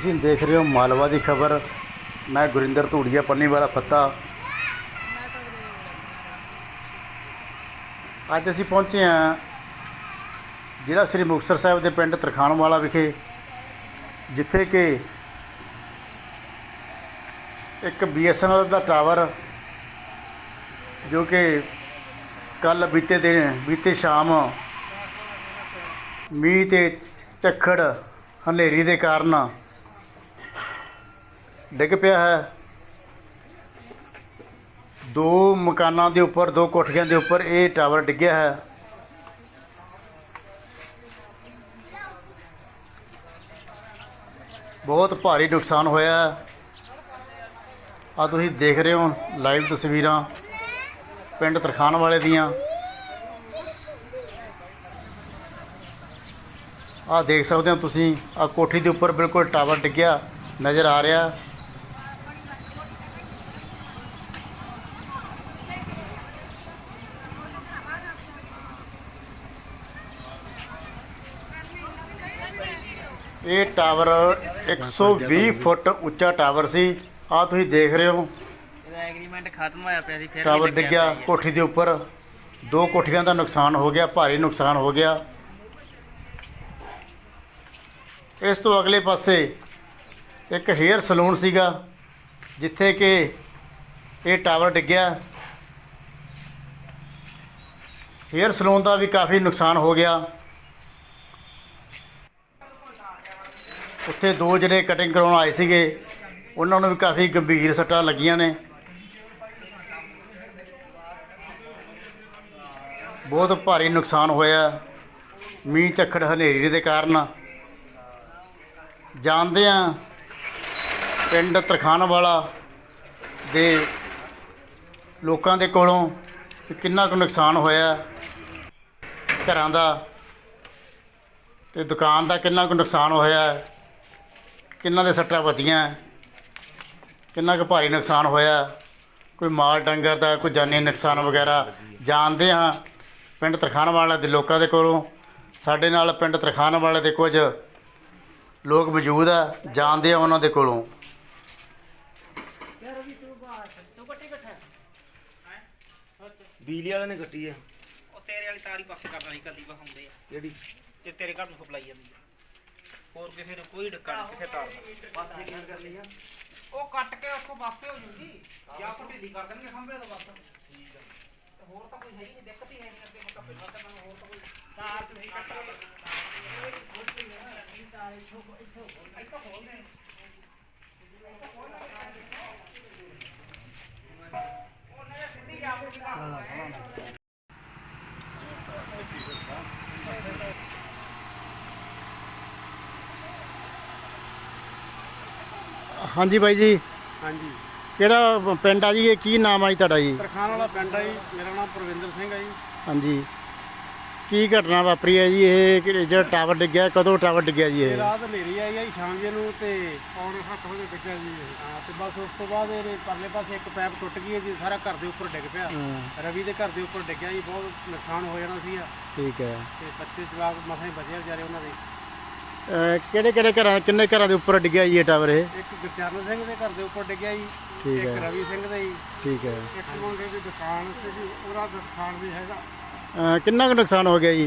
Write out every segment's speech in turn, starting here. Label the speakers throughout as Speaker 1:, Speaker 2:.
Speaker 1: ਤੁਸੀਂ ਦੇਖ ਰਹੇ ਹੋ ਮਾਲਵਾ ਦੀ ਖਬਰ। ਮੈਂ ਗੁਰਿੰਦਰ ਧੂੜੀਆ ਪੰਨੀ ਵਾਲਾ ਪੱਤਾ। ਅੱਜ ਅਸੀਂ ਪਹੁੰਚੇ ਹਾਂ ਜ਼ਿਲ੍ਹਾ ਸ੍ਰੀ ਮੁਕਤਸਰ ਸਾਹਿਬ ਦੇ ਪਿੰਡ ਤਰਖਾਣ ਵਾਲਾ ਵਿਖੇ, ਜਿੱਥੇ ਕਿ ਇੱਕ BSNL ਦਾ ਟਾਵਰ ਜੋ ਕਿ ਕੱਲ੍ਹ ਬੀਤੇ ਸ਼ਾਮ ਮੀਂਹ ਤੇ ਝੱਖੜ ਹਨੇਰੀ ਦੇ ਕਾਰਨ ਡਿੱਗ ਪਿਆ ਹੈ। ਦੋ ਮਕਾਨਾਂ ਦੇ ਉੱਪਰ, ਦੋ ਕੋਠੀਆਂ ਦੇ ਉੱਪਰ ਇਹ ਟਾਵਰ ਡਿੱਗਿਆ ਹੈ। ਬਹੁਤ ਭਾਰੀ ਨੁਕਸਾਨ ਹੋਇਆ। ਆ ਤੁਸੀਂ ਦੇਖ ਰਹੇ ਹੋ ਲਾਈਵ ਤਸਵੀਰਾਂ ਪਿੰਡ ਤਰਖਾਣ ਵਾਲੇ ਦੀਆਂ। ਆ ਦੇਖ ਸਕਦੇ ਹੋ ਤੁਸੀਂ, ਆ ਕੋਠੀ ਦੇ ਉੱਪਰ ਬਿਲਕੁਲ ਟਾਵਰ ਡਿੱਗਿਆ ਨਜ਼ਰ ਆ ਰਿਹਾ। ਇਹ ਟਾਵਰ 120 ਫੁੱਟ ਉੱਚਾ ਟਾਵਰ ਸੀ। ਆ ਤੁਸੀਂ ਦੇਖ ਰਹੇ ਹੋ
Speaker 2: ਐਗਰੀਮੈਂਟ ਖਤਮ ਹੋਇਆ ਪਿਆ ਸੀ, ਫਿਰ
Speaker 1: ਟਾਵਰ ਡਿੱਗਿਆ ਕੋਠੀ ਦੇ ਉੱਪਰ। ਦੋ ਕੋਠੀਆਂ ਦਾ ਨੁਕਸਾਨ ਹੋ ਗਿਆ, ਭਾਰੀ ਨੁਕਸਾਨ ਹੋ ਗਿਆ। ਇਸ ਤੋਂ ਅਗਲੇ ਪਾਸੇ ਇੱਕ ਹੇਅਰ ਸਲੂਨ ਸੀਗਾ, ਜਿੱਥੇ ਕਿ ਇਹ ਟਾਵਰ ਡਿੱਗਿਆ। ਹੇਅਰ ਸਲੂਨ ਦਾ ਵੀ ਕਾਫੀ ਨੁਕਸਾਨ ਹੋ ਗਿਆ। ਉੱਥੇ ਦੋ ਜਿਹੜੇ ਕਟਿੰਗ ਕਰਾਉਣ ਆਏ ਸੀਗੇ, ਉਹਨਾਂ ਨੂੰ ਵੀ ਕਾਫੀ ਗੰਭੀਰ ਸੱਟਾਂ ਲੱਗੀਆਂ ਨੇ। ਬਹੁਤ ਭਾਰੀ ਨੁਕਸਾਨ ਹੋਇਆ ਮੀਂਹ ਝੱਖੜ ਹਨੇਰੀ ਦੇ ਕਾਰਨ। ਜਾਣਦੇ ਹਾਂ ਪਿੰਡ ਤਰਖਾਣ ਵਾਲਾ ਦੇ ਲੋਕਾਂ ਦੇ ਕੋਲੋਂ ਕਿ ਕਿੰਨਾ ਕੁ ਨੁਕਸਾਨ ਹੋਇਆ ਘਰਾਂ ਦਾ ਤੇ ਦੁਕਾਨ ਦਾ, ਕਿੰਨਾ ਕੁ ਨੁਕਸਾਨ ਹੋਇਆ, ਕਿੰਨਾਂ ਦੇ ਸੱਟਾਂ ਵੱਜੀਆਂ, ਕਿੰਨਾ ਕੁ ਭਾਰੀ ਨੁਕਸਾਨ ਹੋਇਆ, ਕੋਈ ਮਾਲ ਡੰਗਰ ਦਾ, ਕੋਈ ਜਾਨੀ ਨੁਕਸਾਨ ਵਗੈਰਾ। ਜਾਣਦੇ ਹਾਂ ਪਿੰਡ ਤਰਖਾਣ ਵਾਲੇ ਦੇ ਲੋਕਾਂ ਦੇ ਕੋਲੋਂ। ਸਾਡੇ ਨਾਲ ਪਿੰਡ ਤਰਖਾਣ ਵਾਲੇ ਦੇ ਕੁਝ ਲੋਕ ਮੌਜੂਦ ਆ, ਜਾਣਦੇ ਆ ਉਹਨਾਂ ਦੇ ਕੋਲੋਂ।
Speaker 2: ਬਿਜਲੀ ਵਾਲੇ ਨੇ ਕੱਟੀ ਆ। ਉਹ ਤੇਰੇ ਵਾਲੀ ਤਾਰੀ ਪਾਸੇ ਕਰਨਾ ਸੀ, ਕਦੀ ਵਹਾਉਂਦੇ ਆ ਜਿਹੜੀ ਤੇ ਤੇਰੇ ਘਰ ਨੂੰ ਸਪਲਾਈ ਜਾਂਦੀ ਆ। ਹੋਰ ਕਿਸੇ ਨੂੰ ਕੋਈ ਡੱਕਾ ਨਹੀਂ ਕਿਸੇ ਤਾਰ ਦਾ। ਬਸ ਇਹ ਗੱਲ ਕਰਨੀ ਆ, ਉਹ ਕੱਟ ਕੇ ਉੱਥੋਂ ਵਾਪਸ ਹੋ ਜੂਗੀ ਜਾਂ ਆਪਾਂ ਢਿੱਲੀ ਕਰ ਦੇਣਗੇ ਖੰਭੇ ਤੋਂ ਬਸ। ਠੀਕ ਆ, ਤੇ ਹੋਰ ਤਾਂ ਕੋਈ ਹੈ ਹੀ ਨਹੀਂ, ਦਿੱਕਤ ਹੀ ਹੈ ਨਹੀਂ। ਅੱਗੇ ਮਤਲਬ ਪਹਿਲਾਂ ਤਾਂ ਮੈਨੂੰ ਹੋਰ ਤਾਂ ਕੋਈ ਤਾਰ ਤੁਸੀਂ ਕੱਟਾ ਇੱਥੋਂ ਖੋਲਦੇ
Speaker 1: ਹਾਂਜੀ ਬਾਈ ਜੀ,
Speaker 3: ਹਾਂਜੀ,
Speaker 1: ਕਿਹੜਾ ਪਿੰਡ ਆ ਜੀ? ਇਹ ਕੀ ਨਾਮ ਆ ਜੀ ਤੁਹਾਡਾ ਜੀ?
Speaker 3: ਤਰਖਾਣ ਵਾਲਾ ਪਿੰਡ ਆ ਜੀ। ਮੇਰਾ ਨਾਮ ਪ੍ਰਵਿੰਦਰ ਸਿੰਘ ਆ ਜੀ।
Speaker 1: ਹਾਂਜੀ, ਕੀ ਘਟਨਾ ਵਾਪਰੀ ਹੈ ਜੀ? ਇਹ ਜਿਹੜਾ ਟਾਵਰ ਡਿੱਗਿਆ, ਕਦੋਂ ਟਾਵਰ ਡਿੱਗਿਆ ਜੀ? ਇਹ
Speaker 3: ਰਾਤ ਹਨੇਰੀ ਆਈ ਆ ਜੀ ਸ਼ਾਮ ਜੇ ਨੂੰ, ਤੇ ਪੌਣੇ 7 ਵਜੇ ਡਿੱਗਿਆ ਜੀ। ਹਾਂ, ਤੇ ਬਸ ਉਸ ਤੋਂ ਬਾਅਦ ਇਹ ਪਰਲੇ ਪਾਸੇ ਇੱਕ ਪੈਪ ਟੁੱਟ ਗਈ ਹੈ ਜੀ, ਸਾਰਾ ਘਰ ਦੇ ਉੱਪਰ ਡਿੱਗ ਪਿਆ। ਰਵੀ ਦੇ ਘਰ ਦੇ ਉੱਪਰ ਡਿੱਗਿਆ ਜੀ, ਬਹੁਤ ਨੁਕਸਾਨ ਹੋ ਜਾਣਾ ਸੀ।
Speaker 1: ਠੀਕ ਹੈ।
Speaker 3: ਤੇ ਬੱਚੇ ਜਵਾਕ ਮਸਾਂ ਹੀ ਬਚੇ ਵਿਚਾਰੇ ਉਹਨਾਂ ਦੇ।
Speaker 1: ਕਿਹੜੇ ਘਰਾਂ, ਕਿੰਨੇ ਘਰਾਂ ਦੇ ਉੱਪਰ ਡਿੱਗਿਆ ਜੀ ਇਹ ਟਾਵਰ? ਇਹ
Speaker 3: ਇੱਕ ਗੁਰਚਰਨ ਸਿੰਘ ਦੇ ਘਰ ਦੇ ਉੱਪਰ ਡਿੱਗਿਆ ਜੀ,
Speaker 1: ਠੀਕ
Speaker 3: ਇੱਕ
Speaker 1: ਹੈ।
Speaker 3: ਰਵੀ ਸਿੰਘ ਦਾ ਜੀ,
Speaker 1: ਠੀਕ ਹੈ।
Speaker 3: ਇੱਕ ਮੁੰਡੇ ਦੀ ਦੁਕਾਨ ਸੀ ਜੀ, ਉਹਦਾ ਨੁਕਸਾਨ ਵੀ ਹੈਗਾ।
Speaker 1: ਕਿੰਨਾ ਕੁ ਨੁਕਸਾਨ ਹੋ ਗਿਆ ਜੀ?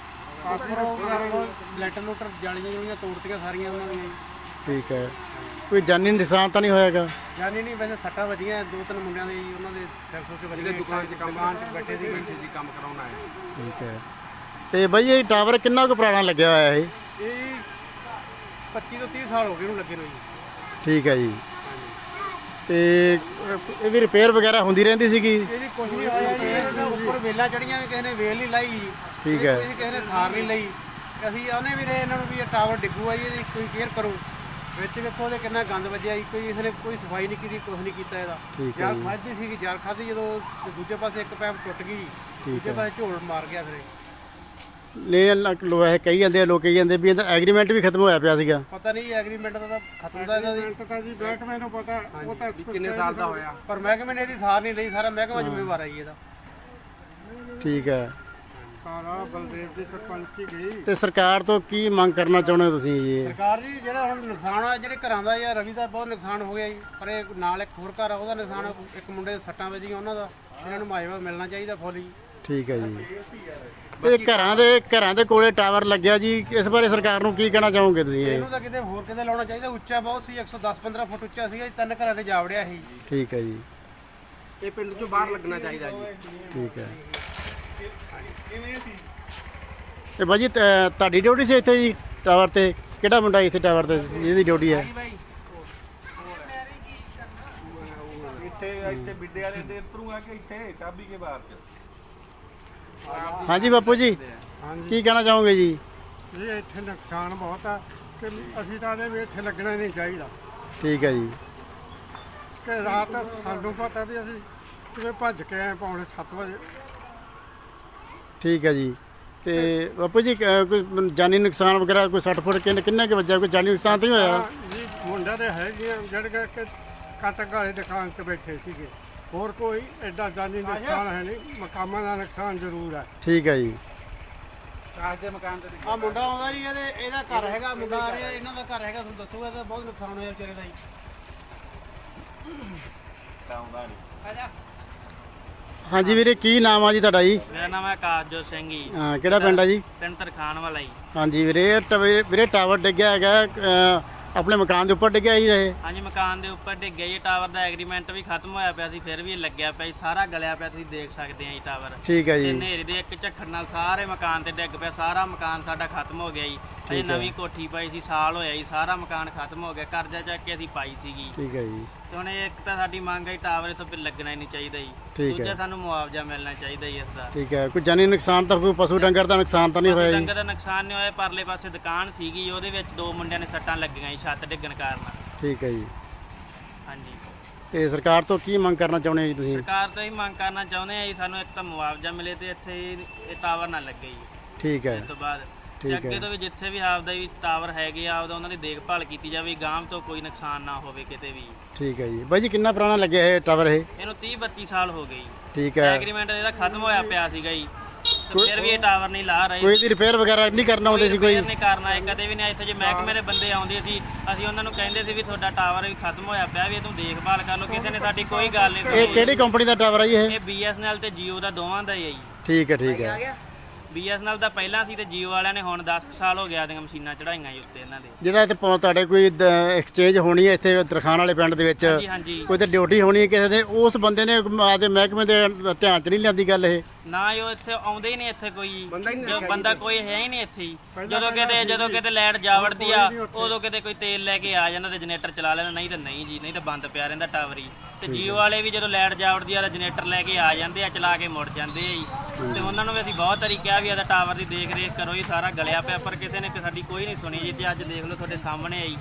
Speaker 3: ਲੈਟਰ ਲੂਟਰ ਜਾਲੀਆਂ ਜੁਲੀਆਂ ਤੋੜਤੀਆਂ ਸਾਰੀਆਂ ਉਹਨਾਂ ਦੀਆਂ ਜੀ।
Speaker 1: ਠੀਕ ਹੈ। ਕੋਈ ਜਾਨੀ ਨੁਕਸਾਨ ਤਾਂ ਨਹੀਂ ਹੋਇਆਗਾ?
Speaker 3: ਜਾਨੀ ਨਹੀਂ, ਵੈਸੇ ਸੱਟਾਂ ਵੱਜੀਆਂ ਦੋ ਤਿੰਨ ਮੁੰਡਿਆਂ ਦੇ ਜੀ, ਉਹਨਾਂ ਦੇ ਸਿਰ ਸੁਰ 'ਚ ਵੱਜੀਆਂ। ਦੁਕਾਨ 'ਚ ਬੈਠੇ ਸੀ ਕੰਮ ਕਰਾਉਣ ਆਏ।
Speaker 1: ਠੀਕ ਹੈ। ਤੇ ਬਾਈ ਇਹ ਟਾਵਰ ਕਿੰਨਾ ਕੁ ਪੁਰਾਣਾ ਲੱਗਿਆ ਹੋਇਆ ਇਹ?
Speaker 3: ਇਹ 25 ਤੋਂ 30 ਸਾਲ ਹੋ ਗਏ ਇਹਨੂੰ ਲੱਗੇ ਨੂੰ ਜੀ।
Speaker 1: ਠੀਕ ਹੈ ਜੀ। ਤੇ ਇਹਦੀ ਰਿਪੇਅਰ ਵਗੈਰਾ ਹੁੰਦੀ ਰਹਿੰਦੀ ਸੀਗੀ?
Speaker 3: ਇਹਦੀ ਕੁਛ ਨਹੀਂ ਹੋਇਆ ਜੀ, ਇਹਦੇ ਤਾਂ ਉੱਪਰ ਵੇਲਾਂ ਚੜੀਆਂ ਵੀ ਕਿਸੇ ਨੇ ਵੇਲ ਨਹੀਂ ਲਾਈ ਜੀ।
Speaker 1: ਠੀਕ ਹੈ।
Speaker 3: ਇਹਦੀ ਕਿਸੇ ਨੇ ਸਾਰ ਨਹੀਂ ਲਈ। ਅਸੀਂ ਆਨੇ ਵੀ ਰਹੇ ਇਹਨਾਂ ਨੂੰ ਵੀ ਇਹ ਟਾਵਰ ਡਿੱਗੂਆ ਜੀ, ਇਹਦੀ ਕੋਈ ਕੇਅਰ ਕਰੋ। ਵਿੱਚ ਵੇਖੋ ਉਹਦੇ ਕਿੰਨਾ ਗੰਦ ਵੱਜਿਆ ਜੀ, ਕੋਈ ਇਸ ਨੇ ਕੋਈ ਸਫਾਈ ਨਹੀਂ ਕੀਤੀ, ਕੁਛ ਨਹੀਂ ਕੀਤਾ ਇਹਦਾ। ਜਾਲ ਖਾਧੀ ਸੀਗੀ, ਜਾਲ ਖਾਧੀ ਜਦੋਂ, ਤੇ ਦੂਜੇ ਪਾਸੇ ਇੱਕ ਪੈਪ ਟੁੱਟ ਗਈ, ਦੂਜੇ ਪਾਸੇ ਝੋਲ ਮਾਰ ਗਿਆ ਫਿਰ।
Speaker 1: ਲੋਕ ਕਹੀ ਜਾਂਦੇ ਆ, ਲੋਕ ਕਹੀ ਜਾਂਦੇ ਵੀ ਇਹਦਾ ਐਗਰੀਮੈਂਟ ਵੀ ਖਤਮ ਹੋਇਆ ਪਿਆ ਸੀਗਾ।
Speaker 3: ਪਤਾ ਨਹੀਂ ਐਗਰੀਮੈਂਟ ਦਾ ਤਾਂ ਖਤਮ ਦਾ ਇਹਦਾ ਜੀ। ਬੈਟਮੈਨ ਨੂੰ ਪਤਾ ਉਹ ਤਾਂ ਕਿੰਨੇ ਸਾਲ ਦਾ ਹੋਇਆ, ਪਰ ਮਹਿਕਮੇ ਨੇ ਇਹਦੀ ਸਾਰ ਨਹੀਂ ਲਈ। ਸਾਰਾ ਮਹਿਕਮਾ ਜ਼ਿੰਮੇਵਾਰ ਹੈ ਜੀ ਇਹਦਾ।
Speaker 1: ਠੀਕ ਹੈ।
Speaker 3: ਕਾਲਾ ਬਲਦੇਵ ਦੀ ਸਰਪੰਚੀ ਗਈ।
Speaker 1: ਤੇ ਸਰਕਾਰ ਤੋਂ ਕੀ ਮੰਗ ਕਰਨਾ ਚਾਹੁੰਦੇ ਹੋ ਤੁਸੀਂ ਜੀ?
Speaker 3: ਸਰਕਾਰ ਜੀ ਜਿਹੜਾ ਹੁਣ ਨੁਕਸਾਨ ਆ ਜਿਹੜੇ ਘਰਾਂ ਦਾ ਜਾਂ ਰਵੀ ਦਾ ਬਹੁਤ ਨੁਕਸਾਨ ਹੋ ਗਿਆ ਜੀ, ਪਰ ਇਹ ਨਾਲ ਇੱਕ ਹੋਰ ਘਰ ਆ ਉਹਦਾ ਨੁਕਸਾਨ, ਇੱਕ ਮੁੰਡੇ ਦੇ ਸੱਟਾਂ ਵੱਜੀਆਂ ਉਹਨਾਂ ਦਾ, ਇਹਨਾਂ ਨੂੰ ਮੁਆਵਜ਼ਾ ਮਿਲਣਾ ਚਾਹੀਦਾ ਫੁੱਲ ਜੀ।
Speaker 1: ਠੀਕ ਹੈ ਜੀ। ਤੇ ਘਰਾਂ ਦੇ ਕੋਲੇ ਟਾਵਰ ਲੱਗਿਆ ਜੀ, ਇਸ ਬਾਰੇ ਸਰਕਾਰ ਨੂੰ ਕੀ ਕਹਿਣਾ ਚਾਹੋਗੇ ਤੁਸੀਂ ਇਹ?
Speaker 3: ਇਹਨੂੰ ਤਾਂ ਕਿਤੇ ਹੋਰ ਕਿਤੇ ਲਾਉਣਾ ਚਾਹੀਦਾ, ਉੱਚਾ ਬਹੁਤ ਸੀ, 110-15 ਫੁੱਟ ਉੱਚਾ ਸੀਗਾ ਜੀ, 3 ਘਰਾਂ ਤੇ ਜਾਵੜਿਆ ਸੀ।
Speaker 1: ਠੀਕ ਹੈ ਜੀ।
Speaker 3: ਇਹ ਪਿੰਡ ਚੋਂ ਬਾਹਰ ਲੱਗਣਾ ਚਾਹੀਦਾ ਜੀ।
Speaker 1: ਠੀਕ ਹੈ। ਤੇ ਬਾਜੀ ਤੁਹਾਡੀ ਡਿਊਟੀ ਸੀ ਇੱਥੇ ਜੀ ਟਾਵਰ ਤੇ? ਕਿਹੜਾ ਮੁੰਡਾ ਇੱਥੇ ਟਾਵਰ ਤੇ ਜਿਹਦੀ ਡਿਊਟੀ ਹੈ?
Speaker 4: ਇੱਥੇ ਬਿੱਡੇ ਵਾਲੇ ਦੇ ਉੱਪਰੋਂ ਆ ਕੇ ਇੱਥੇ ਚਾਬੀ ਕੇ ਬਾਹਰ ਚ।
Speaker 1: ਹਾਂਜੀ ਬਾਪੂ ਜੀ, ਕੀ ਕਹਿਣਾ ਚਾਹੋਗੇ ਜੀ?
Speaker 3: ਇਹ ਇੱਥੇ ਨੁਕਸਾਨ ਬਹੁਤ ਆ ਕਿ ਅਸੀਂ ਤਾਂ ਇਹਦੇ ਵੀ ਇੱਥੇ ਲੱਗਣਾ ਨਹੀਂ ਚਾਹੀਦਾ।
Speaker 1: ਠੀਕ ਹੈ ਜੀ।
Speaker 3: ਕਿ ਰਾਤ ਸਾਨੂੰ ਪਤਾ ਵੀ ਅਸੀਂ ਕਿਵੇਂ ਭੱਜ ਕੇ ਆਏ ਪੌਣੇ 7 ਵਜੇ।
Speaker 1: ਠੀਕ ਹੈ ਜੀ। ਤੇ ਬਾਪੂ ਜੀ ਕੋਈ ਜਾਨੀ ਨੁਕਸਾਨ ਵਗੈਰਾ ਕੋਈ 60 ਫੁੱਟ ਕਿੰਨਾ ਕੁ ਵੱਜਾ? ਕੋਈ ਜਾਨੀ ਨੁਕਸਾਨ ਤਾਂ ਨਹੀਂ ਹੋਇਆ?
Speaker 3: ਜੀ ਮੁੰਡਾ ਦੇ ਹੈਗੇ ਆ ਜਿਹੜੇ ਕਿ ਕਾਟਕ ਵਾਲੀ ਦੁਕਾਨ ਤੇ ਬੈਠੇ ਸੀਗੇ, ਹੋਰ ਕੋਈ ਐਡਾ ਜਾਨੀ ਨੁਕਸਾਨ ਹੈ ਨਹੀਂ, ਮਕਾਨਾਂ ਦਾ ਨੁਕਸਾਨ ਜ਼ਰੂਰ ਹੈ।
Speaker 1: ਠੀਕ ਹੈ ਜੀ।
Speaker 2: ਕਾਸ ਦੇ ਮਕਾਨ ਤੇ
Speaker 3: ਆ ਮੁੰਡਾ ਆਉਂਦਾ ਜੀ, ਇਹਦਾ ਘਰ ਹੈਗਾ, ਮੁੰਡਾ ਆ ਰਿਹਾ, ਇਹਨਾਂ ਦਾ ਘਰ ਹੈਗਾ, ਤੁਹਾਨੂੰ ਦੱਸੂਗਾ ਤਾਂ ਬਹੁਤ ਨੁਕਸਾਨ ਹੋਇਆ ਵਿਚਾਰੇ ਦਾ ਜੀ।
Speaker 1: ਹਾਂਜੀ ਵੀਰੇ, ਕੀ ਨਾਮ ਆ ਜੀ ਤੁਹਾਡਾ ਜੀ?
Speaker 2: ਮੇਰਾ ਨਾਮ ਹੈ ਆਕਾਸ਼ਜੋਤ ਸਿੰਘ ਜੀ,
Speaker 1: ਹਾਂ, ਕਿਹੜਾ ਪਿੰਡ ਆ ਜੀ?
Speaker 2: ਪਿੰਡ ਤਰਖਾਣ ਵਾਲਾ ਜੀ।
Speaker 1: ਹਾਂਜੀ ਵੀਰੇ, ਵੀਰੇ ਟਾਵਰ ਡਿੱਗਿਆ ਹੈਗਾ, ਆਪਣੇ ਮਕਾਨ ਦੇ ਉੱਪਰ ਡਿੱਗਿਆ ਹੀ ਰਹੇ?
Speaker 2: ਹਾਂਜੀ, ਮਕਾਨ ਦੇ ਉੱਪਰ ਡਿੱਗਿਆ ਜੀ। ਟਾਵਰ ਦਾ ਐਗਰੀਮੈਂਟ ਵੀ ਖਤਮ ਹੋਇਆ ਪਿਆ ਸੀ, ਫਿਰ ਵੀ ਇਹ ਲੱਗਿਆ ਪਿਆ ਜੀ, ਸਾਰਾ ਗਲਿਆ ਪਿਆ, ਤੁਸੀਂ ਦੇਖ ਸਕਦੇ ਆ ਜੀ ਟਾਵਰ।
Speaker 1: ਠੀਕ ਹੈ
Speaker 2: ਤੇ
Speaker 1: ਜੀ।
Speaker 2: ਹਨੇਰੇ ਦੇ ਇੱਕ ਝੱਖੜ ਨਾਲ ਸਾਰੇ ਮਕਾਨ ਤੇ ਡਿੱਗ ਪਿਆ, ਸਾਰਾ ਮਕਾਨ ਸਾਡਾ ਖਤਮ ਹੋ ਗਿਆ ਜੀ। ਅਜੇ ਨਵੀਂ ਕੋਠੀ ਪਾਈ ਸੀ, ਸਾਲ ਹੋਇਆ ਜੀ, ਸਾਰਾ ਮਕਾਨ ਖਤਮ ਹੋ ਗਿਆ, ਕਰਜ਼ਾ ਚੱਕ ਕੇ ਅਸੀਂ ਪਾਈ ਸੀਗੀ।
Speaker 1: ਠੀਕ ਹੈ ਜੀ।
Speaker 2: ਤੇ ਹੁਣ ਇੱਕ ਤਾਂ ਸਾਡੀ ਮੰਗ ਹੈ ਟਾਵਰ ਇੱਥੋਂ ਵੀ ਲੱਗਣਾ ਹੀ ਨਹੀਂ ਚਾਹੀਦਾ ਜੀ,
Speaker 1: ਠੀਕ ਹੈ।
Speaker 2: ਦੂਜਾ ਸਾਨੂੰ ਮੁਆਵਜ਼ਾ ਮਿਲਣਾ ਚਾਹੀਦਾ ਜੀ ਇਸ ਦਾ।
Speaker 1: ਠੀਕ ਹੈ। ਕੋਈ ਜਾਨੀ ਨੁਕਸਾਨ ਤਾਂ, ਕੋਈ ਪਸ਼ੂ ਡੰਗਰ ਦਾ ਨੁਕਸਾਨ ਤਾਂ ਨਹੀਂ ਹੋਇਆ ਜੀ?
Speaker 2: ਡੰਗਰ ਦਾ ਨੁਕਸਾਨ ਨਹੀਂ ਹੋਇਆ, ਪਰਲੇ ਪਾਸੇ ਦੁਕਾਨ ਸੀਗੀ, ਉਹਦੇ ਵਿੱਚ 2 ਮੁੰਡਿਆਂ ਨੇ ਸੱਟਾਂ ਲੱਗੀਆਂ ਜੀ ਛੱਤ ਡਿੱਗਣ ਕਾਰਨ।
Speaker 1: ਠੀਕ ਹੈ ਜੀ।
Speaker 2: ਹਾਂਜੀ,
Speaker 1: ਤੇ ਸਰਕਾਰ ਤੋਂ ਕੀ ਮੰਗ ਕਰਨਾ ਚਾਹੁੰਦੇ ਹੋ ਜੀ ਤੁਸੀਂ?
Speaker 2: ਸਰਕਾਰ ਤੋਂ ਹੀ ਮੰਗ ਕਰਨਾ ਚਾਹੁੰਦੇ ਆ ਜੀ, ਸਾਨੂੰ ਇੱਕ ਤਾਂ ਮੁਆਵਜ਼ਾ ਮਿਲੇ ਤੇ ਇੱਥੇ ਇਹ ਟਾਵਰ ਨਾ ਲੱਗੇ ਜੀ
Speaker 1: ਠੀਕ ਹੈ।
Speaker 2: ਇਸ ਤੋਂ ਬਾਅਦ।
Speaker 1: ਠੀਕ
Speaker 2: ਤੇ
Speaker 1: ਹੈ।
Speaker 2: ਅੱਗੇ ਤੋਂ ਵੀ ਜਿੱਥੇ ਵੀ ਆਪਦਾ ਵੀ ਟਾਵਰ ਹੈਗੇ ਆ, ਉਹਨਾਂ ਦੀ ਦੇਖਭਾਲ ਕੀਤੀ ਜਾਵੇ, ਗਾਂਵ ਤੋਂ ਕੋਈ ਨੁਕਸਾਨ ਨਾ ਹੋਵੇ ਕਿਤੇ ਵੀ।
Speaker 1: ਠੀਕ ਹੈ ਜੀ। ਬਾਈ ਜੀ, ਕਿੰਨਾ ਪੁਰਾਣਾ ਲੱਗਿਆ ਇਹ ਟਾਵਰ ਇਹ?
Speaker 2: ਇਹਨੂੰ 30-32 ਸਾਲ ਹੋ ਗਏ ਜੀ।
Speaker 1: ਠੀਕ ਹੈ।
Speaker 2: ਐਗਰੀਮੈਂਟ ਇਹਦਾ ਖਤਮ ਹੋਇਆ ਪਿਆ ਸੀਗਾ ਜੀ, ਤੇ ਫਿਰ ਵੀ ਇਹ ਟਾਵਰ ਨਹੀਂ ਲਾ ਰਹੇ।
Speaker 1: ਕੋਈ ਇਹਦੀ ਰਿਪੇਅਰ ਵਗੈਰਾ ਨਹੀਂ ਕਰਨਾ ਆਉਂਦੇ ਸੀ ਕੋਈ?
Speaker 2: ਰਿਪੇਅਰ ਨਹੀਂ ਕਰਨਾ ਹੈ ਕਦੇ ਵੀ ਨਹੀਂ। ਇੱਥੇ ਜੇ ਮਹਿਕਮੇ ਦੇ ਬੰਦੇ ਆਉਂਦੇ ਸੀ, ਅਸੀਂ ਉਹਨਾਂ ਨੂੰ ਕਹਿੰਦੇ ਸੀ ਵੀ ਤੁਹਾਡਾ ਟਾਵਰ ਵੀ ਖਤਮ ਹੋਇਆ ਪਿਆ, ਵੀ ਇਹ ਤੂੰ ਦੇਖਭਾਲ ਕਰ ਲਓ, ਕਿਸੇ ਨੇ ਸਾਡੀ ਕੋਈ ਗੱਲ ਨਹੀਂ
Speaker 1: ਇਹ ਕਿਹੜੀ ਕੰਪਨੀ ਦਾ ਟਾਵਰ ਆ ਜੀ ਇਹ?
Speaker 2: ਇਹ BSNL ਤੇ Jio ਦਾ ਦੋਵਾਂ ਦਾ ਹੀ ਹੈ ਜੀ।
Speaker 1: ਠੀਕ ਹੈ। ਠੀਕ ਹੈ।
Speaker 2: BSNL ਦਾ ਪਹਿਲਾਂ ਸੀ ਤੇ Jio ਵਾਲਿਆਂ ਨੇ ਹੁਣ 10 ਸਾਲ ਹੋ ਗਿਆ ਦੀਆਂ ਮਸ਼ੀਨਾਂ ਚੜਾਈਆਂ ਜੀ ਉੱਤੇ ਇਹਨਾਂ ਦੇ।
Speaker 1: ਜਿਹੜਾ ਇੱਥੇ ਤੁਹਾਡੇ ਕੋਈ ਐਕਸਚੇਂਜ ਹੋਣੀ ਹੈ ਇੱਥੇ ਤਰਖਾਣ ਵਾਲੇ ਪਿੰਡ ਦੇ ਵਿੱਚ,
Speaker 2: ਹਾਂਜੀ ਹਾਂਜੀ।
Speaker 1: ਕੋਈ ਤੇ ਡਿਊਟੀ ਹੋਣੀ ਹੈ ਕਿਸੇ ਦੇ, ਉਸ ਬੰਦੇ ਨੇ ਆਦੇ ਮਹਿਕਮੇ ਦੇ ਧਿਆਨ 'ਚ ਨਹੀਂ ਲਿਆਂਦੀ ਗੱਲ ਇਹ?
Speaker 2: ਨਾ ਉਹ ਇੱਥੇ ਆਉਂਦੇ ਹੀ ਨਹੀਂ ਇੱਥੇ ਕੋਈ, ਜੋ ਬੰਦਾ ਕੋਈ ਹੈ ਹੀ ਨਹੀਂ ਇੱਥੇ ਹੀ। ਜਦੋਂ ਕਿਤੇ ਲਾਈਟ ਜਾਵੜਦੀ ਆ, ਉਦੋਂ ਕਿਤੇ ਕੋਈ ਤੇਲ ਲੈ ਕੇ ਆ ਜਾਂਦਾ ਤੇ ਜਨਰੇਟਰ ਚਲਾ ਲੈਂਦਾ, ਨਹੀਂ ਤਾਂ ਨਹੀਂ ਜੀ, ਨਹੀਂ ਤਾਂ ਬੰਦ ਪਿਆ ਰਹਿੰਦਾ ਟਾਵਰ ਹੀ। ਤੇ Jio ਵਾਲੇ ਵੀ ਜਦੋਂ ਲਾਈਟ ਜਾਵੜਦੀ ਆ ਤਾਂ ਜਨਰੇਟਰ ਲੈ ਕੇ ਆ ਜਾਂਦੇ ਆ, ਚਲਾ ਕੇ ਮੁੜ ਜਾਂਦੇ ਆ ਜੀ। ਤੇ ਉਹਨਾਂ ਨੂੰ ਵੀ ਅਸੀਂ ਬਹੁਤ ਵਾਰੀ ਕਿਹਾ ਵੀ ਇਹਦਾ ਟਾਵਰ ਦੀ ਦੇਖ ਰੇਖ ਕਰੋ ਜੀ, ਸਾਰਾ ਗਲਿਆ ਪਿਆ, ਪਰ ਕਿਸੇ ਨੇ ਸਾਡੀ ਕੋਈ ਨਹੀਂ ਸੁਣੀ ਜੀ। ਤੇ ਅੱਜ ਦੇਖ ਲਓ ਤੁਹਾਡੇ ਸਾਹਮਣੇ ਆਈ।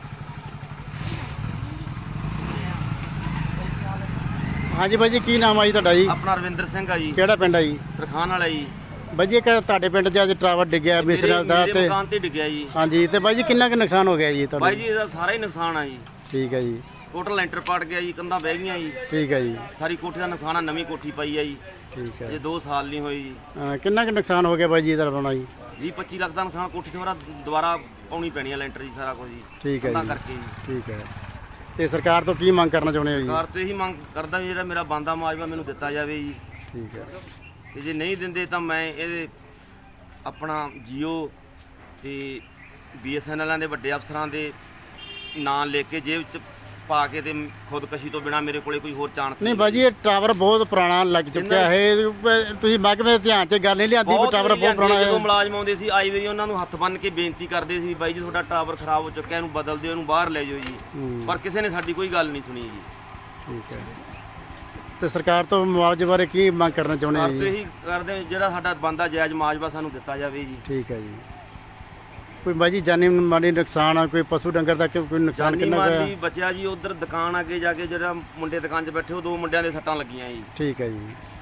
Speaker 1: ਹਾਂਜੀ ਬਾਈ ਜੀ, ਕੀ ਨਾਮ ਆ ਜੀ ਤੁਹਾਡਾ ਜੀ?
Speaker 4: ਆਪਣਾ ਰਵਿੰਦਰ ਸਿੰਘ ਆ ਜੀ,
Speaker 1: ਕਿਹੜਾ ਪਿੰਡ ਆ ਜੀ?
Speaker 4: ਤਰਖਾਣ ਵਾਲਾ ਜੀ।
Speaker 1: ਬਾਈ ਜੀ, ਤੁਹਾਡੇ ਪਿੰਡ 'ਚ ਅੱਜ ਟਾਵਰ ਡਿੱਗਿਆ BSNL ਦਾ,
Speaker 4: ਮੇਰੇ
Speaker 1: ਤੇ
Speaker 4: ਮਕਾਨ ਤੇ ਡਿੱਗਿਆ ਜੀ।
Speaker 1: ਹਾਂਜੀ, ਤੇ ਬਾਈ ਜੀ ਕਿੰਨਾ ਕੁ ਨੁਕਸਾਨ ਹੋ ਗਿਆ ਜੀ ਤੁਹਾਡਾ?
Speaker 4: ਬਾਈ ਜੀ ਇਹਦਾ ਸਾਰਾ ਹੀ ਨੁਕਸਾਨ ਆ ਜੀ।
Speaker 1: ਠੀਕ ਹੈ ਜੀ।
Speaker 4: ਟੋਟਲ ਲੈਂਟਰ ਪਾਟ ਗਿਆ ਜੀ, ਕੰਧਾਂ ਬਹਿ ਗਈਆਂ ਜੀ,
Speaker 1: ਠੀਕ ਹੈ ਜੀ।
Speaker 4: ਸਾਰੀ ਕੋਠੀ ਦਾ ਨੁਕਸਾਨ ਆ, ਨਵੀਂ ਕੋਠੀ ਪਾਈ ਆ ਜੀ,
Speaker 1: ਠੀਕ ਹੈ।
Speaker 4: ਜੇ 2 ਸਾਲ ਨਹੀਂ ਹੋਏ ਜੀ।
Speaker 1: ਕਿੰਨਾ ਕੁ ਨੁਕਸਾਨ ਹੋ ਗਿਆ ਬਾਈ ਜੀ ਇਹਦਾ ਬਣਾਉਣਾ ਜੀ?
Speaker 4: 20-25 ਲੱਖ ਦਾ ਨੁਕਸਾਨ, ਕੋਠੀ ਤੇ ਮੇਰਾ ਦੁਬਾਰਾ ਪਾਉਣੀ ਪੈਣੀ ਆ ਲੈਂਟਰ ਜੀ, ਸਾਰਾ ਕੁਝ ਜੀ।
Speaker 1: ਠੀਕ ਹੈ
Speaker 4: ਤਾਂ
Speaker 1: ਜੀ।
Speaker 4: ਕਰਕੇ ਜੀ
Speaker 1: ਠੀਕ ਹੈ। ਤੇ ਸਰਕਾਰ ਤੋਂ ਕੀ ਮੰਗ ਕਰਨਾ ਚਾਹੁੰਦੇ ਹੋ ਜੀ?
Speaker 4: ਸਰਕਾਰ ਤੋਂ ਇਹੀ ਮੰਗ ਕਰਦਾ ਵੀ ਜਿਹੜਾ ਮੇਰਾ ਬਣਦਾ ਮੁਆਵਜ਼ਾ ਮੈਨੂੰ ਦਿੱਤਾ ਜਾਵੇ ਜੀ,
Speaker 1: ਠੀਕ ਹੈ।
Speaker 4: ਤੇ ਜੇ ਨਹੀਂ ਦਿੰਦੇ ਤਾਂ ਮੈਂ ਇਹਦੇ ਆਪਣਾ Jio ਤੇ BSNL ਦੇ ਵੱਡੇ ਅਫਸਰਾਂ ਦੇ ਨਾਂ ਲੈ ਕੇ ਜੇਬ 'ਚ ਪਾ ਕੇ ਤੇ ਖੁਦਕਸ਼ੀ ਤੋਂ ਬਿਨਾ ਮੇਰੇ ਕੋਲੇ ਕੋਈ ਹੋਰ ਚਾਂਸ
Speaker 1: ਨਹੀਂ ਬਾਜੀ, ਇਹ ਟਾਵਰ ਬਹੁਤ ਪੁਰਾਣਾ ਲੱਗ ਚੁੱਕਿਆ ਹੈ, ਤੁਸੀਂ ਮਹਿਕਮੇ ਦੇ ਧਿਆਨ 'ਚ ਗੱਲ ਨਹੀਂ ਲਿਆਂਦੀ ਵੀ ਟਾਵਰ ਬਹੁਤ ਪੁਰਾਣਾ
Speaker 4: ਜਦੋਂ
Speaker 1: ਹੈ?
Speaker 4: ਮੁਲਾਜ਼ਮ ਆਉਂਦੇ ਸੀ, ਆਈ ਵਾਰੀ ਉਹਨਾਂ ਨੂੰ ਹੱਥ ਬੰਨ੍ਹ ਕੇ ਬੇਨਤੀ ਕਰਦੇ ਸੀ, ਬਾਈ ਜੀ ਤੁਹਾਡਾ ਟਾਵਰ ਖਰਾਬ ਹੋ ਚੁੱਕਿਆ, ਇਹਨੂੰ ਬਦਲ ਦਿਓ, ਇਹਨੂੰ ਬਾਹਰ ਲੈ ਜਾਓ ਜੀ, ਪਰ ਕਿਸੇ ਨੇ ਸਾਡੀ ਕੋਈ ਗੱਲ ਨਹੀਂ ਸੁਣੀ ਜੀ।
Speaker 1: ਠੀਕ ਹੈ। ਤੇ ਸਰਕਾਰ ਤੋਂ ਮੁਆਵਜ਼ੇ ਬਾਰੇ ਕੀ ਮੰਗ ਕਰਨਾ ਚਾਹੁੰਦੇ ਹੋ
Speaker 4: ਸਰਕਾਰ ਤੋਂ
Speaker 1: ਜੀ?
Speaker 4: ਇਹੀ ਕਰਦੇ ਜਿਹੜਾ ਸਾਡਾ ਬਣਦਾ ਜਾਇਜ਼ ਮੁਆਵਜ਼ਾ ਸਾਨੂੰ ਦਿੱਤਾ ਜਾਵੇ ਜੀ।
Speaker 1: ਠੀਕ ਹੈ ਜੀ। ਕੋਈ ਬਾਜੀ ਜਾਨੀ ਮਾਲੀ ਨੁਕਸਾਨ ਆ, ਕੋਈ ਪਸ਼ੂ ਡੰਗਰ ਦਾ ਕੋਈ ਨੁਕਸਾਨ
Speaker 4: ਜਾਨੀ
Speaker 1: ਕਿੰਨਾ
Speaker 4: ਮਾਲੀ
Speaker 1: ਹੋਇਆ?
Speaker 4: ਬਚਿਆ ਜੀ, ਉਧਰ ਦੁਕਾਨ ਅੱਗੇ ਜਾ ਕੇ ਜਿਹੜਾ ਮੁੰਡੇ ਦੁਕਾਨ 'ਚ ਬੈਠੇ ਉਹ 2 ਮੁੰਡਿਆਂ ਦੇ ਸੱਟਾਂ ਲੱਗੀਆਂ ਜੀ।
Speaker 1: ਠੀਕ ਹੈ ਜੀ।